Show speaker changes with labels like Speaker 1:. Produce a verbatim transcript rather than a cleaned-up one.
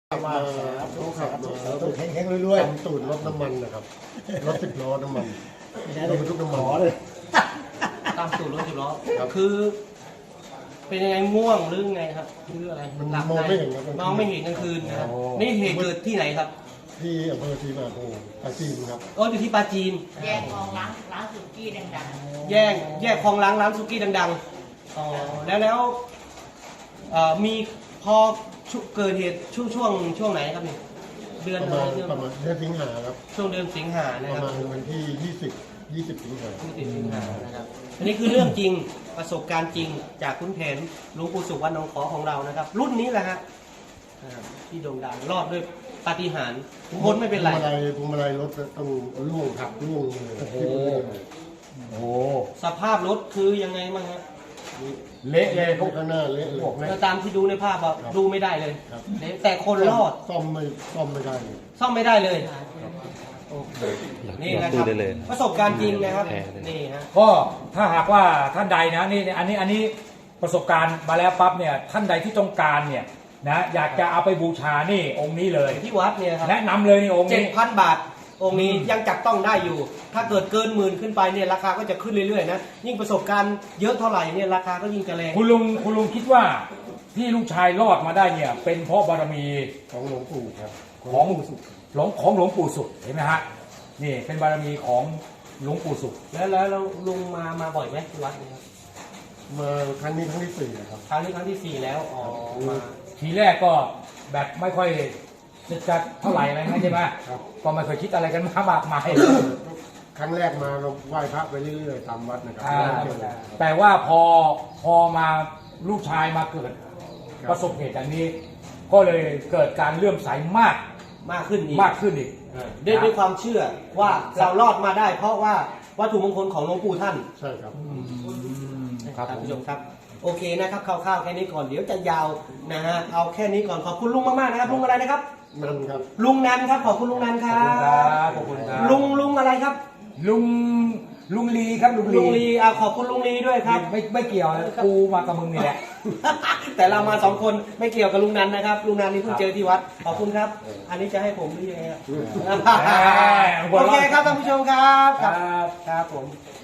Speaker 1: ขับมาเขาขับมาแล้วต้องแข็งๆรวยๆทำตูดรถน้ำมันนะครับรถสิบล้อน้ำมันรถบรรทุกน้ำมันเลย
Speaker 2: ตามสูตรรถสิบล้อคือ เป็นยังไงง่วงหรือไงครับหรืออะไร
Speaker 1: มัน
Speaker 2: หลับ
Speaker 1: มอง
Speaker 2: ใน
Speaker 1: ไม่เห็นครับ
Speaker 2: มองไม่เห็นกลางคืนนะครับนี่เหตุเกิดที่ไหนครับ
Speaker 1: ที่อำเภอศรีมาโพธิ์ปราจีนครับ
Speaker 2: อ๋ออยู่ที่ปราจีน
Speaker 3: แยกคลองร้านร้านสุกี้ดัง
Speaker 2: แยกแยกคลองล้างร้านซุกี้ดังๆอ๋อแล้วแล้วเอ่อมีพอชุเกิดเหตุช่วงช่วงช่วงไหนครับนี่เดือน
Speaker 1: ประ
Speaker 2: อะไร
Speaker 1: มาณ
Speaker 2: ช่วง
Speaker 1: ประมาณเดือนสิงหาครับ
Speaker 2: ช่วงเดือนสิงหานะ
Speaker 1: ป
Speaker 2: ค
Speaker 1: ระ
Speaker 2: รับ
Speaker 1: มาณวันที่ยี่สิบ ยี่สิบสิงหา
Speaker 2: ที่ติดสิงหานะครับอันนี้คือเรื่องจริงประสบการณ์จริงจากคุณแผนหลวงปู่สุวรรณหนองขอของเรานะครับ รุ่นนี้แหละฮะนะครับที่โด่งดังรอดด้วยปาฏิหาริย์พ้นไม่เป็นไร
Speaker 1: พวงมาลัยพวงมาลัยรถต้องล่วงขับล่วงเลย
Speaker 4: โอ้โห โอ้
Speaker 2: สภาพรถคือยังไงบ้างฮะ
Speaker 4: เละเลย
Speaker 1: พวกข้างหน้าเละเลย
Speaker 2: ก็ตามที่ดูในภาพอะ
Speaker 1: ครับ
Speaker 2: ดูไม่ได้เลย
Speaker 1: ครับ
Speaker 2: แต่คนรอด
Speaker 1: ซ่อมไม่ซ่อมไม่ได้เลย
Speaker 2: ซ่อมไม่ได้เลยโอ้โหนี่นะครับประสบการณ์จริงนะครับนี่ฮะ
Speaker 4: ก็ถ้าหากว่าท่านใดนะนี่อันนี้อันนี้ประสบการณ์มาแล้วปั๊บเนี่ยท่านใดที่ต้องการเนี่ยนะอยากจะเอาไปบูชานี่องค์นี้เลย
Speaker 2: ที่วัดเนี่ยครับ
Speaker 4: แนะนำเลยนี่องค์
Speaker 2: เจ็ด
Speaker 4: นี้
Speaker 2: พันบาทองค์นี้
Speaker 4: อืม
Speaker 2: ยังจับต้องได้อยู่ ถ้าเกิดเกินหมื่นขึ้นไปเนี่ยราคาก็จะขึ้นเรื่อยๆนะยิ่งประสบการณ์เยอะเท่าไหร่เนี่ยราคาก็ยิ่งจะแรง
Speaker 4: คุณลุงคุณลุงคิดว่าที่ลูกชายรอดมาได้เนี่ยเป็นเพราะบารมี
Speaker 1: ของหลวงปู่ครับ
Speaker 4: ของหลวงของหลวงปู่สุขเห็นไหมฮะนี่เป็นบารมีของหลวงปู่สุข
Speaker 2: แล้วแล้วแล้วลุงมามาบ่อยไหมที่วัดเนี่ยครับ
Speaker 1: มาครั้งนี้ครั้งที่สี่นะครับ
Speaker 2: ครั้งนี้ครั้งที่สี่แล้วอ๋อมา
Speaker 4: ทีแรกก็แบบไม่ค่อยจะจะเท่าไหร่อะไรนะใช่ไหม
Speaker 1: ครับ
Speaker 4: ก็ไม่เคยคิดอะไรกันมามากมาย
Speaker 1: ครั้งแรกมาเราไหว้พระไปเรื่อยๆตามวัดนะครับ
Speaker 4: อ่า
Speaker 1: ไม่ได้เจอครับ
Speaker 4: แต่ว่าพอพอมาลูกชายมาเกิด
Speaker 1: ครับ
Speaker 4: ประสบเหตุอย่างนี้ ก็เลยเกิดการเลื่อมใสมาก
Speaker 2: มากขึ้นอีก
Speaker 4: มากขึ้นอีก
Speaker 2: ด้วยด้วยความเชื่อว่าเรารอดมาได้ เพราะว่าวัตถุมงคลของหลวงปู่ท่าน
Speaker 1: ใช่ครับ
Speaker 4: ครับ
Speaker 2: ท่าน
Speaker 4: ผม
Speaker 2: ผู้ชมครับโอเคนะครับคร่าวๆแค่นี้ก่อนเดี๋ยวจะยาวนะฮะเอาแค่นี้ก่อนขอบคุณลุงมากๆนะครับลุงอะไรนะครับ
Speaker 1: นั่นครับ
Speaker 2: ลุงนันครับขอบคุณลุงนันค
Speaker 4: ขอบ
Speaker 2: รั
Speaker 4: คุณครับ
Speaker 2: บ
Speaker 4: ขอบคุณครับ
Speaker 2: ลุงลุงอะไรครับ
Speaker 4: ลุงลุงลีครับลุง
Speaker 2: ลุงลีอ่ะขอบคุณลุงลีด้วยครับ
Speaker 4: ไม่ไม่เกี่ยวนะกูมากับมึงนี่แหละ
Speaker 2: แต่เรามาสองคนไม่เกี่ยวกับลุงนันนะครับลุงนันนี่เพิ่ง
Speaker 4: ครับ
Speaker 2: เจอที่วัดขอบคุณครับ อันนี้จะให้ผมหรือยังไงครับ
Speaker 4: แหม
Speaker 2: โอเคครับท่านผู้ชมครับ
Speaker 4: ครับ
Speaker 2: ครับผม